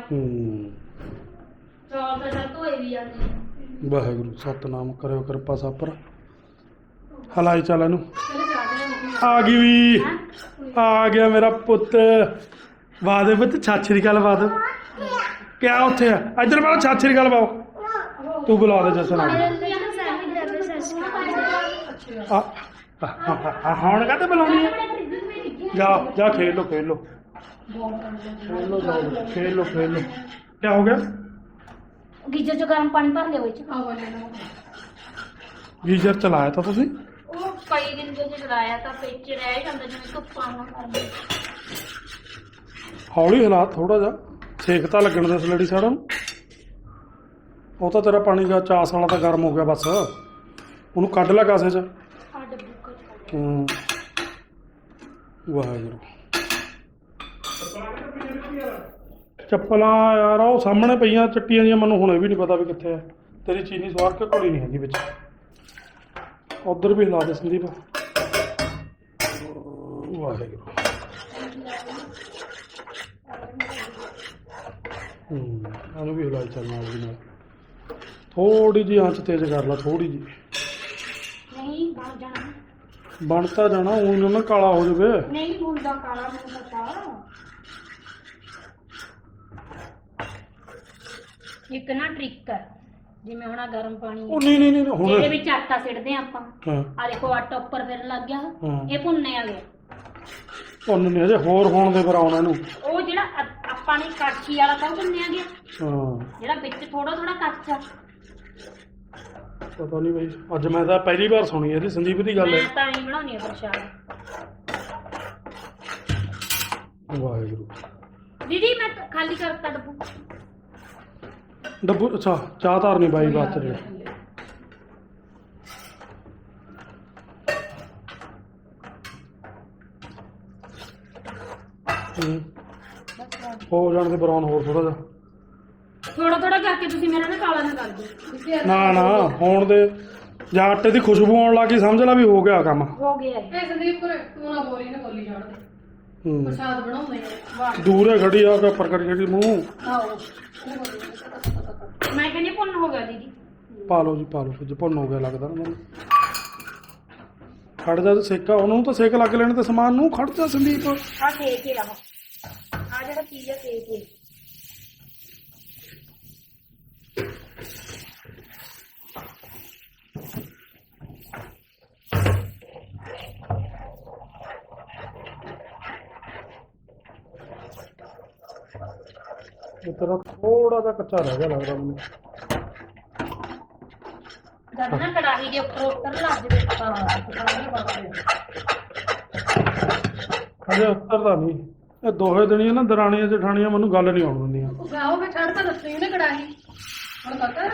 ਚੌਲ ਤਾਂ ਸਭ ਧੋਏ ਵੀ ਜਾਂਦੇ ਆ। ਵਾਹਿਗੁਰੂ ਸਤਨਾਮ ਕਰਿਓ ਕਿਰਪਾ ਸਾਪਰ। ਹਲਾਈ ਚੱਲ ਇਹਨੂੰ। ਚਲੋ ਚਾਹ ਦੇ ਆ ਗਈ ਵੀ, ਆ ਗਿਆ ਮੇਰਾ ਪੁੱਤ। ਵਾਦੇ ਪੁੱਤ ਛਾਛੀ ਦੀ ਗੱਲ ਬਾਦ ਕਿਆ ਉੱਥੇ ਆ? ਇੱਧਰ ਬਾਓ ਛਾਛੀ ਦੀ ਗੱਲ ਬਾਓ। ਤੂੰ ਬੁਲਾ ਦੇ ਜਸਨ ਆ ਹੁਣ ਕਾਹਤੇ ਬੁਲਾਉਣੀ ਹੈ? ਜਾ ਜਾ ਖੇਲ ਲੋ ਖੇਲ ਲੋ ਖੇਲ ਲੋ ਜਾਓ ਖੇਲ ਲੋ ਖੇਲ ਲੋ। ਕਿਆ ਹੋ ਗਿਆ? ਗੀਜ਼ਰ ਚ ਗਰਮ ਪਾਣੀ ਭਰ ਲਿਓ ਵਿੱਚ। ਗੀਜ਼ਰ ਚਲਾਇਆ ਤਾਂ ਤੁਸੀਂ? ਉਹ ਕਈ ਦਿਨ ਜੇ ਚਲਾਇਆ ਤਾਂ ਵਿੱਚ ਰਹਿ ਜਾਂਦਾ ਜਿਵੇਂ ਧੁੱਪਾਂ ਨਾਲ ਕਰਦੇ। ਹੌਲੀ ਹਾਲਾਤ ਥੋੜਾ ਜਿਹਾ ਸੇਕ ਤਾਂ ਲੱਗਣ ਦੇ ਸਲੇਡੀ ਸਾੜਾ ਨੂੰ। ਉਹ ਤਾਂ ਤੇਰਾ ਪਾਣੀ ਦਾ ਚਾਸ ਵਾਲਾ ਤਾਂ ਗਰਮ ਹੋ ਗਿਆ ਬਸ, ਉਹਨੂੰ ਕੱਢ ਲੈ ਕਾਸੇ 'ਚ। ਆ ਡੱਬੂ ਚ ਵਾਹਿਗੁਰੂ। ਚੱਪਲਾਂ ਯਾਰ ਉਹ ਸਾਹਮਣੇ ਪਈਆਂ ਚੱਟੀਆਂ ਦੀਆਂ, ਮੈਨੂੰ ਹੁਣ ਇਹ ਵੀ ਨਹੀਂ ਪਤਾ ਵੀ ਕਿੱਥੇ ਆ। ਤੇਰੀ ਚੀਨੀ ਸਵਾਰ ਕੇ ਘੋਲੀ ਨਹੀਂ ਹੈਗੀ ਵਿੱਚ। ਉਧਰ ਵੀ ਹਿਲਾ ਦੇ ਸੰਦੀਪ। ਵਾਹਿਗੁਰੂ। ਇਹਨੂੰ ਵੀ ਹਿਲਾਈ ਚੱਲਣਾ ਉਹਦੇ ਨਾਲ। ਥੋੜੀ ਜਿਹੀ ਆਂਚ ਤੇਜ਼ ਕਰ ਲਾ, ਥੋੜੀ ਜਿਹੀ। ਨਹੀਂ ਬਣ ਜਾਣਾ। ਬਣ ਤਾਂ ਜਾਣਾ, ਊਂ ਨਾ ਕਾਲਾ ਹੋ ਜਾਵੇ। ਨਹੀਂ ਹੁੰਦਾ ਕਾਲਾ ਮੈਨੂੰ ਪਤਾ। ਇੱਕ ਨਾ ਟ੍ਰਿਕ ਹੈ, ਜਿਵੇਂ ਹੁਣ ਆਹ ਗਰਮ ਪਾਣੀ ਉਹ ਨਹੀਂ ਨਹੀਂ ਨਹੀਂ ਹੁਣ ਇਹਦੇ ਵਿੱਚ ਆਟਾ ਸਿੱਟਦੇ ਆਪਾਂ। ਹਾਂ ਆ ਦੇਖੋ ਆਟਾ ਉੱਪਰ ਫਿਰ ਲੱਗ ਗਿਆ। ਹਾਂ। ਇਹ ਭੁੰਨੇ ਆ ਗਿਆ। ਉਹਨੂੰ ਨਹੀਂ ਅਜੇ ਹੋਰ ਹੋਣ ਦੇ ਬਰਾਉਣਾ ਇਹਨੂੰ। ਉਹ ਜਿਹੜਾ ਆਪਾਂ ਨੇ ਕਾਠੀ ਵਾਲਾ ਤਾਂ ਭੁੰਨਿਆ ਗਿਆ, ਹਾਂ ਜਿਹੜਾ ਵਿੱਚ ਥੋੜਾ ਥੋੜਾ ਕੱਚਾ। ਪਤਾ ਨਹੀਂ ਬਈ, ਅੱਜ ਮੈਂ ਤਾਂ ਪਹਿਲੀ ਵਾਰ ਸੁਣੀ ਇਹਦੀ ਸੰਦੀਪ ਦੀ ਗੱਲ ਮੈਂ ਹੈ। ਤਾਂ ਨਹੀਂ ਬਣਾਉਣੀ ਆ ਪ੍ਰਸ਼ਾਦ। ਵਾਹਿਗੁਰੂ। ਦੀਦੀ ਮੈਂ ਤਾਂ ਖਾਲੀ ਕਰਤਾ ਡੱਬੂ। ਡੱਬੂ ਅੱਛਾ ਚਾਹ ਧਾਰਨੀ ਬਾਈ ਬਾਤ ਚ। ਹੋ ਜਾਣ ਦੇ ਬਰਾਉਨ ਹੋਰ ਥੋੜਾ ਜਿਹਾ। ਥੋੜਾ ਥੋੜਾ ਕਰਕੇ ਤੁਸੀਂ ਮੇਰਾ ਨਾ ਕਾਲਾ ਨਾ ਕਰ ਦਿਓ। ਨਾ ਨਾ ਹੋਣ ਦੇ, ਜਾਂ ਆਟੇ ਦੀ ਖੁਸ਼ਬੂ ਆਉਣ ਲੱਗੀ ਸਮਝ ਲੈ ਵੀ ਹੋ ਗਿਆ ਕੰਮ। ਹੋ ਗਿਆ ਇਹ। ਇਹ ਸੰਦੀਪ ਕੋਲ ਤੂੰ ਨਾ ਬੋਲੀ ਛੱਡ ਦੇ। ਪ੍ਰਸ਼ਾਦ ਬਣਾਉਂਦੇ ਆ। ਵਾਹ ਦੂਰੇ ਖੜੀ ਆ ਕੇ ਉੱਪਰ ਕਰੀ ਜਿਹੜੀ ਮੂੰਹ। ਆਓ ਮੈਂ ਕਹਿੰਦੀ ਭੁੰਨ ਹੋ ਗਿਆ ਦੀਦੀ। ਪਾ ਲਓ ਜੀ ਪਾ ਲਓ, ਜੇ ਭੁੰਨ ਹੋ ਗਿਆ ਲੱਗਦਾ ਨਾ ਮੈਨੂੰ। ਖੜ ਜਾ ਤੇ ਸੇਕਾ, ਉਹਨੂੰ ਤਾਂ ਸੇਕ ਲੱਗ ਲੈਣ ਤੇ ਸਮਾਨ ਨੂੰ। ਖੜ ਜਾ ਸੰਦੀਪ। ਆ ਸੇਕ ਹੀ ਰਹਾ। ਆ ਜਿਹੜਾ ਚੀਜ਼ ਆ ਸੇਕ ਹੀ। ਇਹ ਤਰ੍ਹਾਂ ਥੋੜਾ ਜਿਹਾ ਕੱਚਾ ਰਹਿ ਗਿਆ ਲੱਗਦਾ ਮੈਨੂੰ। ਜਦ ਨਾ ਕੜਾਹੀ ਦੇ ਉੱਪਰ ਉੱਤਰ ਲੱਗ ਜਾਵੇ। ਹਜੇ ਉੱਤਰਦਾ ਨਹੀਂ। ਇਹ ਦੋਹੇ ਦਿਨੀਆਂ ਨਾ ਦਰਾਣੀਆਂ ਜਠਾਣੀਆਂ ਮੈਨੂੰ ਗੱਲ ਨਹੀਂ ਆਉਣ ਦਿੰਦੀਆਂ। ਗਾਓ ਮੈਂ ਛੱਡ ਤਾਂ ਦੱਸੀ ਉਹਨੇ ਕੜਾਹੀ। ਹੁਣ ਪਤਾ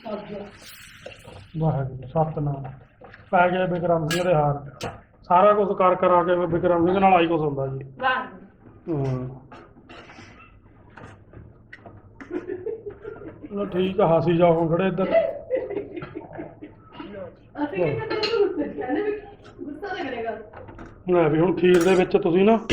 ਵਾਹਿਗੁਰੂ ਸਤਨਾਮ। ਪੈ ਗਏ ਬਿਕਰਮ ਸਿੰਘ ਦੇ ਹਾਰ। ਸਾਰਾ ਕੁਝ ਕਰ ਕਰਾ ਕੇ ਬਿਕਰਮ ਸਿੰਘ ਨਾਲ ਆਈ ਕੁਛ ਹੁੰਦਾ ਜੀ। ਵਾਹ ਹਾਂ ਚਲੋ ਠੀਕ ਆ, ਹਾਸੀ ਜਾਓ ਹੁਣ ਖੜੇ ਇੱਧਰ। ਅਸੀਂ ਕਹਿੰਦੇ ਵੀ ਗੁੱਸਾ ਤਾਂ ਕਰੇਗਾ। ਲੈ ਵੀ ਹੁਣ ਖੀਰ ਦੇ ਵਿੱਚ ਤੁਸੀਂ ਨਾ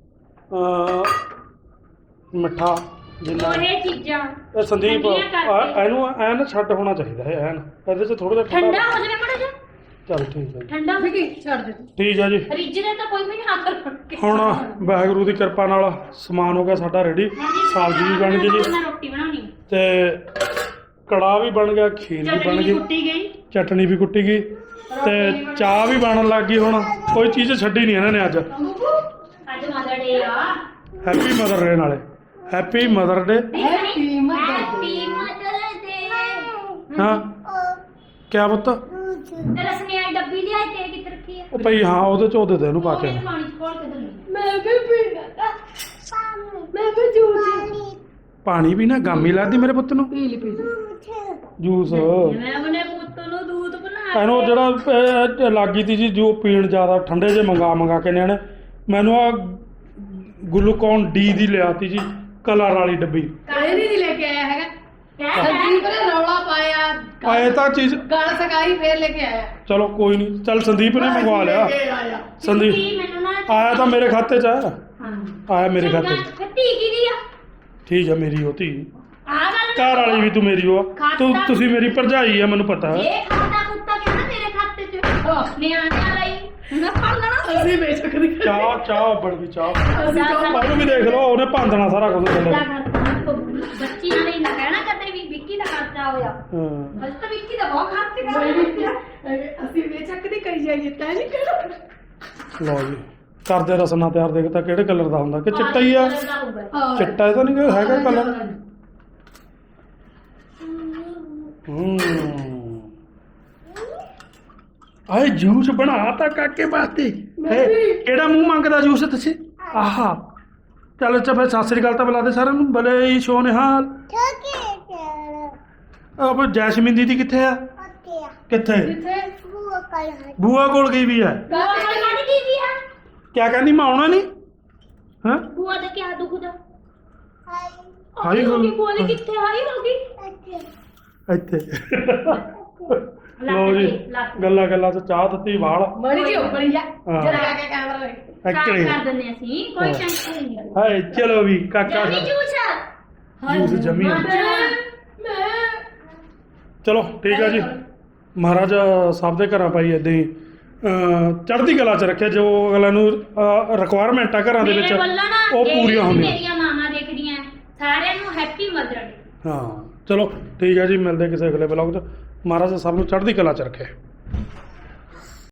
ਮਿੱਠਾ ਜਿੰਨਾ ਇਹ ਚੀਜ਼ਾਂ ਇਹ ਸੰਦੀਪ ਠੰਡੀਆਂ ਕਰਕੇ। ਇਹਨੂੰ ਐਨ ਛੱਡ ਹੋਣਾ ਚਾਹੀਦਾ ਹੈ ਐਨ। ਇਹਦੇ 'ਚ ਥੋੜਾ ਜਿਹਾ ਠੰਡਾ ਹੋ ਜਾਵੇ ਮੜਾ ਜਾ। ਚੱਲ ਠੀਕ ਹੈ ਜੀ। ਠੰਡਾ ਹੋ ਕੀ ਛੱਡ ਦੇ ਤੂੰ। ਠੀਕ ਹੈ ਜੀ। ਫ੍ਰਿਜ ਦੇ ਤਾਂ ਕੋਈ ਵੀ ਨਹੀਂ ਹੱਥ ਰੱਖ ਕੇ। ਹੁਣ ਵਾਹਿਗੁਰੂ ਦੀ ਕਿਰਪਾ ਨਾਲ ਸਮਾਨ ਹੋ ਗਿਆ ਸਾਡਾ ਰੈਡੀ। ਸਬਜ਼ੀ ਵੀ ਬਣ ਗਈ ਜੀ ਮੈਂ ਰੋਟੀ ਬਣਾਉਣੀ। ਤੇ ਕੜਾਹ ਵੀ ਬਣ ਗਿਆ, ਖੀਰ ਵੀ ਬਣ ਚਟਨੀ ਗਈ, ਕੁੱਟੀ ਗਈ। ਚਟਨੀ ਵੀ ਕੁੱਟੀ ਗਈ ਤੇ ਚਾਹ ਵੀ ਬਣਨ ਲੱਗ ਗਈ। ਹੁਣ ਕੋਈ ਚੀਜ਼ ਛੱਡੀ ਨਹੀਂ ਇਹਨਾਂ ਨੇ ਅੱਜ। ਅੱਜ ਮਦਰ ਡੇ ਆ। ਹੈਪੀ ਮਦਰ ਡੇ ਨਾਲੇ। Happy mother day. Happy mother happy mother day. ਹਾਂ ਕਿਆ ਪੁੱਤ? ਰਸਮੀ ਆਈ ਡੱਬੀ ਲਿਆਈ ਤੇ ਕਿੱਥੇ ਰੱਖੀ ਆ? ਉਹ ਭਈ ਹਾਂ ਉਹਦੇ 'ਚ ਉਹ ਦੇ ਦੇ ਇਹਨੂੰ ਪਾ ਕੇ। ਉਹ ਪਾਣੀ ਚ ਘੋਲ ਕੇ ਦੇ। ਮੈਂ ਵੀ ਪੀਣਾ। ਮੈਂ ਵੀ ਜੂਸ ਪਾਣੀ ਵੀ ਨਾ ਗਾਮੀ ਲੱਗਦੀ ਮੇਰੇ ਪੁੱਤ ਨੂੰ। ਪੀ ਲਈ ਜੂਸ ਮੈਂ ਆਪਣੇ ਪੁੱਤ ਨੂੰ ਦੁੱਧ ਬਣਾ ਇਹਨੂੰ ਜਿਹੜਾ ਲੱਗੀ ਤੀ ਜੀ ਜੋ ਪੀਣ ਜ਼ਿਆਦਾ ਠੰਡੇ ਜੇ ਮੰਗਾ ਕੇ ਨਿਆਣੇ। ਮੈਨੂੰ ਆ ਗਲੂਕੋਨ ਡੀ ਦੀ ਲਿਆਤੀ ਜੀ ਕਲਰ ਵਾਲੀ ਡੱਬੀ। ਇਹ ਨਹੀਂ ਲੈ ਕੇ ਆਇਆ ਹੈਗਾ ਕਹਿ ਸੰਦੀਪ ਨੇ ਰੌਲਾ ਪਾਇਆ ਆਏ ਤਾਂ ਚੀਜ਼ ਗਲ ਸਕਾਈ ਫੇਰ ਲੈ ਕੇ ਆਇਆ ਚਲੋ ਕੋਈ ਨਹੀਂ, ਚੱਲ ਸੰਦੀਪ ਨੇ ਮੰਗਵਾ ਲਿਆ। ਸੰਦੀਪ ਮੈਨੂੰ ਨਾ ਆਇਆ ਤਾਂ ਮੇਰੇ ਖਾਤੇ 'ਚ ਆ, ਹਾਂ ਆਇਆ ਮੇਰੇ ਖਾਤੇ 'ਚ। ਫਿਰ ਧੀ ਕਿਹਦੀ ਆ ਠੀਕ ਆ, ਮੇਰੀ ਉਹ ਧੀ ਆ ਗੱਲ ਘਰ ਵਾਲੀ ਵੀ ਤੂੰ ਮੇਰੀ ਉਹ ਆ। ਤੁਸੀਂ ਮੇਰੀ ਭਰਜਾਈ ਆ, ਮੈਨੂੰ ਪਤਾ। ਇਹ ਖਾਤਾ ਕੁੱਤਾ ਕਿਹੜਾ ਮੇਰੇ ਖਾਤੇ 'ਚ ਨਿਆਣਿਆਂ ਲਈ ਨਾ ਫੜ ਲੈਣਾ ਅਸੀਂ ਬੇਸ਼ੱਕ ਦੀ ਚਾਹ ਬਣ ਗਈ ਚਾਹ। ਅਸੀਂ ਚਾਹ ਉਹਨੂੰ ਵੀ ਦੇਖ ਲਓ, ਉਹਨੇ ਭੰਦਣਾ ਸਾਰਾ ਕੁਝ ਥੱਲੇ। ਬੱਚੀਆਂ ਨੇ ਨਾ ਕਹਿਣਾ ਕਦੇ ਵੀ ਵਿੱਕੀ ਦਾ ਖਰਚਾ ਹੋਇਆ। ਹਾਂ ਅੱਜ ਤਾਂ ਵਿੱਕੀ ਦਾ ਬਹੁਤ ਖਰਚ ਅਸੀਂ ਬੇਸ਼ੱਕ ਦੀ ਕਰੀ ਜਾਈਏ ਤੈਨੂੰ ਨਹੀਂ ਕਹਿਣਾ ਲਓ ਜੀ, ਕਰਦੇ ਰਸਨਾ ਤਿਆਰ। ਦੇਖ ਤਾਂ ਕਿਹੜੇ ਕਲਰ ਦਾ ਹੁੰਦਾ ਕਿ ਚਿੱਟਾ ਹੀ ਆ? ਚਿੱਟਾ ਤਾਂ ਨਹੀਂ ਹੈਗਾ ਕਲਰ। ਆਏ ਜੂਸ ਬਣਾ ਤਾਂ ਕਾਕੇ ਵਾਸਤੇ। ਕਿਹੜਾ ਮੂੰਹ ਮੰਗਦਾ ਜੂਸ ਤੁਸੀਂ? ਆਹਾ ਚੱਲ ਅੱਛਾ ਫਿਰ ਸਤਿ ਸ੍ਰੀ ਅਕਾਲ ਤਾਂ ਬੁਲਾ ਦੇ ਸਾਰਿਆਂ ਨੂੰ। ਭਲੇ ਹੀ ਸੋਨੇਹਾਲ। ਅਬ ਜੈਸਮੀਨ ਦੀਦੀ ਕਿੱਥੇ ਆ? ਕਿੱਥੇ? ਬੂਆ ਕੋਲ ਗਈ ਵੀ ਆ। ਕਿਆ ਕਹਿੰਦੀ ਮੈਂ ਆਉਣਾ ਨਹੀਂ? ਹਾਂ ਬੂਆ ਦਾ ਕੀ ਦੁਖਦਾ? ਹਾਈ ਹੋ ਗਈ ਹੋ ਬੋਲੀ ਕਿੱਥੇ ਹਾਈ ਹੋ ਗਈ? ਇੱਥੇ ਲਓ ਜੀ, ਗੱਲਾਂ ਗੱਲਾਂ ਚ ਚਾਹ ਦਿੱਤੀ ਵਾਲ। ਮੜੀ ਜੀ ਉੱਪਰੀ ਜਾ ਹਾਂ। ਜਰਾ ਕੇ ਕੈਮਰਾ ਲੈ ਸਾਫ਼ ਐਕਚੁਅਲੀ ਕਰ ਦਿੰਦੇ ਅਸੀਂ ਕੋਈ ਟੈਨਸ਼ਨ ਨਹੀਂ ਹੈ। ਹਾਏ ਚਲੋ ਵੀ ਕਾਕਾ ਜਮੀ ਜੂਸ ਜੂਸ ਜਮੀ ਆ। ਮੈਂ ਚਲੋ ਠੀਕ ਆ ਜੀ। ਮਹਾਰਾਜ ਸਭ ਦੇ ਘਰਾਂ ਪਾਈ ਏਦਾਂ ਹੀ ਚੜ੍ਹਦੀ ਕਲਾ ਚ ਰੱਖਿਆ। ਜੋ ਅਗਲਾ ਨੂੰ ਰਿਕੁਆਇਰਮੈਂਟ ਆ ਘਰਾਂ ਦੇ ਵਿੱਚ ਮੇਰੇ ਵੱਲੋਂ ਨਾ ਉਹ ਪੂਰੀਆਂ ਹੁੰਦੀਆਂ। ਮੇਰੀਆਂ ਮਾਵਾਂ ਦੇਖਦੀਆਂ ਸਾਰਿਆਂ ਨੂੰ ਹੈਪੀ ਮਦਰ ਡੇ। ਹਾਂ ਚਲੋ ਠੀਕ ਆ ਜੀ, ਮਿਲਦੇ ਕਿਸੇ ਅਗਲੇ ਵਲੌਗ 'ਚ। ਮਹਾਰਾਜ ਸਭ ਨੂੰ ਚੜ੍ਹਦੀ ਕਲਾ ਚ ਰੱਖੇ।